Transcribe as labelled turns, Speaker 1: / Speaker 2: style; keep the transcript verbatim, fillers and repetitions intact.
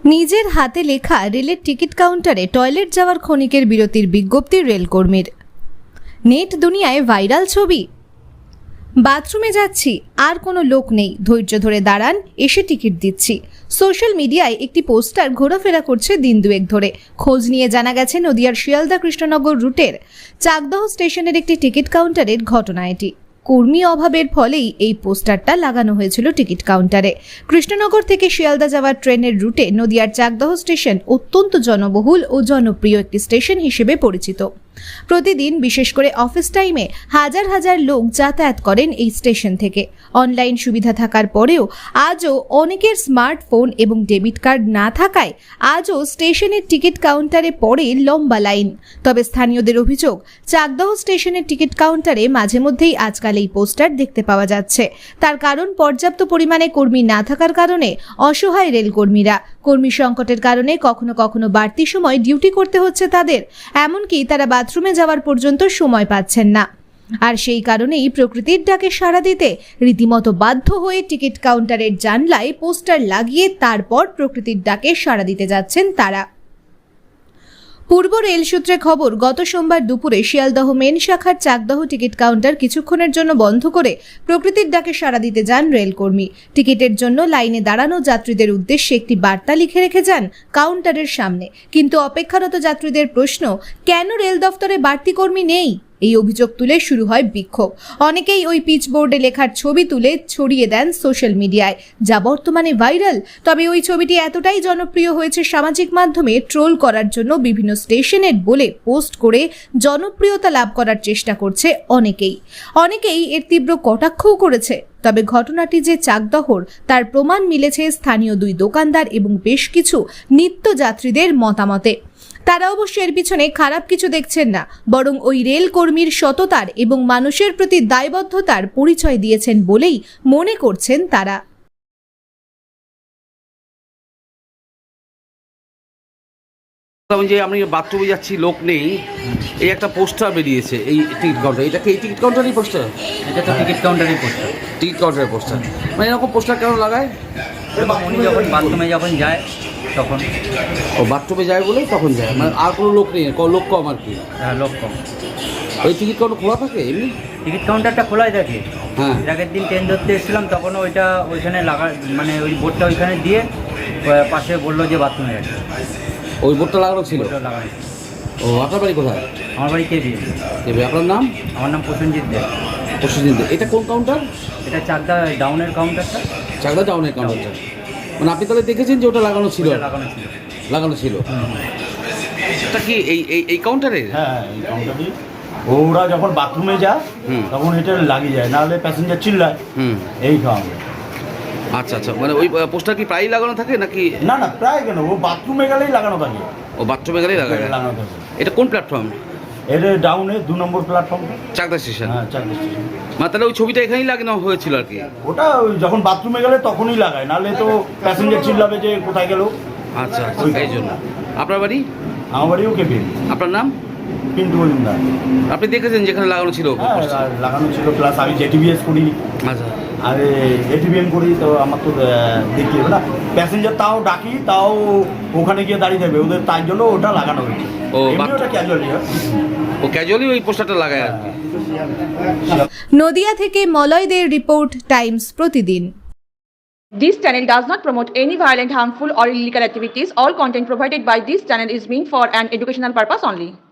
Speaker 1: নিজের হাতে লেখা রেলের টিকিট কাউন্টারে টয়লেট যাওয়ার ক্ষণিকের বিরতির বিজ্ঞপ্তি রেলকর্মীর। নেট দুনিয়ায় ভাইরাল ছবি। বাথরুমে যাচ্ছি, আর কোনো লোক নেই, ধৈর্য ধরে দাঁড়ান, এসে টিকিট দিচ্ছি। সোশ্যাল মিডিয়ায় একটি পোস্টার ঘোরাফেরা করছে দিন দুয়েক ধরে। খোঁজ নিয়ে জানা গেছে নদিয়ার শিয়ালদা কৃষ্ণনগর রুটের চাকদহ স্টেশনের একটি টিকিট কাউন্টারের ঘটনা এটি। কর্মী অভাবের ফলেই এই পোস্টারটা লাগানো হয়েছিল টিকিট কাউন্টারে। কৃষ্ণনগর থেকে শিয়ালদা যাওয়ার ট্রেনের রুটে নদিয়ার চাকদহ স্টেশন অত্যন্ত জনবহুল ও জনপ্রিয় একটি স্টেশন হিসেবে পরিচিত। প্রতিদিন বিশেষ করে অফিস টাইমে হাজার হাজার লোক যাতায়াত করেন এই স্টেশন থেকে। অনলাইন সুবিধা থাকার পরেও আজও অনেকের স্মার্টফোন এবং ডেবিট কার্ড না থাকায় আজও স্টেশনের টিকিট কাউন্টারে পড়ে লম্বা লাইন। তবে স্থানীয়দের অভিযোগ, চাকদহ স্টেশনের টিকিট কাউন্টারে মাঝে মধ্যেই আজকাল এই পোস্টার দেখতে পাওয়া যাচ্ছে। তার কারণ পর্যাপ্ত পরিমাণে কর্মী না থাকার কারণে অসহায় রেলকর্মীরা। কর্মী সংকটের কারণে কখনো কখনো বাড়তি সময় ডিউটি করতে হচ্ছে তাদের, এমনকি তারা বাথরুমে যাওয়ার পর্যন্ত সময় পাচ্ছেন না। আর সেই কারণেই প্রকৃতির ডাকে সাড়া দিতে রীতিমতো বাধ্য হয়ে টিকিট কাউন্টারের জানলায় পোস্টার লাগিয়ে তারপর প্রকৃতির ডাকে সাড়া দিতে যাচ্ছেন তারা। পূর্ব রেল সূত্রে খবর, গত সোমবার দুপুরে শিয়ালদহ মেন শাখার চাকদহ টিকিট কাউন্টার কিছুক্ষণের জন্য বন্ধ করে প্রকৃতির ডাকে সাড়া দিতে যান রেলকর্মী। টিকিটের জন্য লাইনে দাঁড়ানো যাত্রীদের উদ্দেশ্যে একটি বার্তা লিখে রেখে যান কাউন্টারের সামনে। কিন্তু অপেক্ষারত যাত্রীদের প্রশ্ন, কেন রেল দফতরে বাড়তি কর্মী নেই? এই অভিযোগ তুলে শুরু হয় বিক্ষোভ। অনেকেই ওই পিচবোর্ডে লেখার ছবি তুলে ছড়িয়ে দেন সোশ্যাল মিডিয়ায়, যা বর্তমানে ভাইরাল। তবে ওই ছবিটি এতটাই জনপ্রিয় হয়েছে সামাজিক মাধ্যমে ট্রোল করার জন্য বিভিন্ন স্টেশনের বলে পোস্ট করে জনপ্রিয়তা লাভ করার চেষ্টা করছে অনেকেই। অনেকেই এর তীব্র কটাক্ষও করেছে। তবে ঘটনাটি যে চাকদহর তার প্রমাণ মিলেছে স্থানীয় দুই দোকানদার এবং বেশ কিছু নিত্যযাত্রীদের মতামতে। তারা অবশ্য এর পিছনে খারাপ কিছু দেখছেন না, বরং ওই রেল কর্মীর সততার এবং মানুষের প্রতি দায়বদ্ধতার পরিচয় দিয়েছেন বলেই মনে করছেন তারা।
Speaker 2: যে আমি বাথরুমে যাচ্ছি, লোক নেই, এই একটা পোস্টার বেরিয়েছে এই টিকিট কাউন্টার। এটা কি এই টিকিট কাউন্টারই পোস্টার?
Speaker 3: এটা তো টিকিট কাউন্টারই পোস্টার।
Speaker 2: টিকিট কাউন্টারের পোস্টার মানে এরকম পোস্টার কেন লাগায়?
Speaker 3: উনি যখন বাথরুমে যখন যায় তখন।
Speaker 2: ও বাথরুমে যায় বলে তখন যায়, মানে আর কোনো লোক নেই, লোক কম আর কি।
Speaker 3: হ্যাঁ, লোক কম।
Speaker 2: ওই টিকিট কাউন্টার খোলা থাকে এমনি?
Speaker 3: টিকিট কাউন্টারটা খোলাই থাকে।
Speaker 2: হ্যাঁ,
Speaker 3: আগের দিন ট্রেন ধরতে এসেছিলাম, তখন ওইটা ওইখানে লাগা, মানে ওই বোর্ডটা ওইখানে দিয়ে পাশে বললো যে বাথরুমে গেছে।
Speaker 2: ওই বোর্ডটা লাগানো ছিল?
Speaker 3: লাগানো।
Speaker 2: ও, আপনার বাড়ি কোথায়?
Speaker 3: আমার বাড়ি কেবি।
Speaker 2: কেবি। আপনার নাম?
Speaker 3: আমার নাম প্রসেনজিৎ দে।
Speaker 2: প্রসেনজিৎ দে। এটা কোন কাউন্টার?
Speaker 3: এটা চাকদা ডাউনের কাউন্টারটা।
Speaker 2: চাকদা ডাউনের কাউন্টারটা মানে আপনি তাহলে দেখেছেন যে ওটা লাগানো ছিল?
Speaker 3: লাগানো ছিল।
Speaker 2: লাগানো ছিল। এটা কি এই এই এই কাউন্টারে?
Speaker 4: হ্যাঁ, এই কাউন্টারে ওরা যখন বাথরুমে যায় তখন এটা লাগিয়ে যায়, নাহলে প্যাসেঞ্জার চিল্লায়। হুম, এই কারণে।
Speaker 2: আচ্ছা আচ্ছা, মানে ওই পোস্টার কি প্রায়ই লাগানো থাকে নাকি?
Speaker 4: না না, প্রায় কেন, ও বাথরুমে গেলেই লাগানো থাকে।
Speaker 2: ও বাথরুমে গেলেই লাগানো
Speaker 4: লাগানো থাকে।
Speaker 2: এটা কোন প্ল্যাটফর্ম?
Speaker 4: এটা ডাউনে দু নম্বর প্ল্যাটফর্ম,
Speaker 2: চাকদা স্টেশন।
Speaker 4: হ্যাঁ, চাকদা স্টেশন।
Speaker 2: মানে তাহলে ওই ছবিটা এখানেই লাগানো হয়েছিল আর কি?
Speaker 4: ওটা ওই যখন বাথরুমে গেলে তখনই লাগায়, নাহলে তো প্যাসেঞ্জার চিল্লাবে যে কোথায় গেল।
Speaker 2: আচ্ছা আচ্ছা, এই জন্য। আপনার বাড়ি?
Speaker 4: আমার বাড়িও কেবি।
Speaker 2: আপনার নাম?
Speaker 4: পিন্টু মজুমদার।
Speaker 2: আপনি দেখেছেন যেখানে লাগানো ছিল?
Speaker 4: হ্যাঁ, লাগানো ছিল, প্লাস আমি জেটিভিএস করি।
Speaker 2: আচ্ছা।
Speaker 4: আর এটিভিএম করি, তো আমার তো দেখতে হবে না, প্যাসেঞ্জার তাও ডাকি, তাও ওখানে গিয়ে দাঁড়িয়ে থাকবে ওদের, তাই জন্য ওটা লাগানো হয়েছে।
Speaker 2: ও,
Speaker 4: ওটা ক্যাজুয়ালি।
Speaker 2: ও ক্যাজুয়ালি ওই পোস্টারটা লাগায় আর কি।
Speaker 1: নদিয়া থেকে মলয়দের report, Times Pratidin.
Speaker 5: This channel does not promote any violent, harmful or illegal activities. All content provided by this channel is meant for an educational purpose only.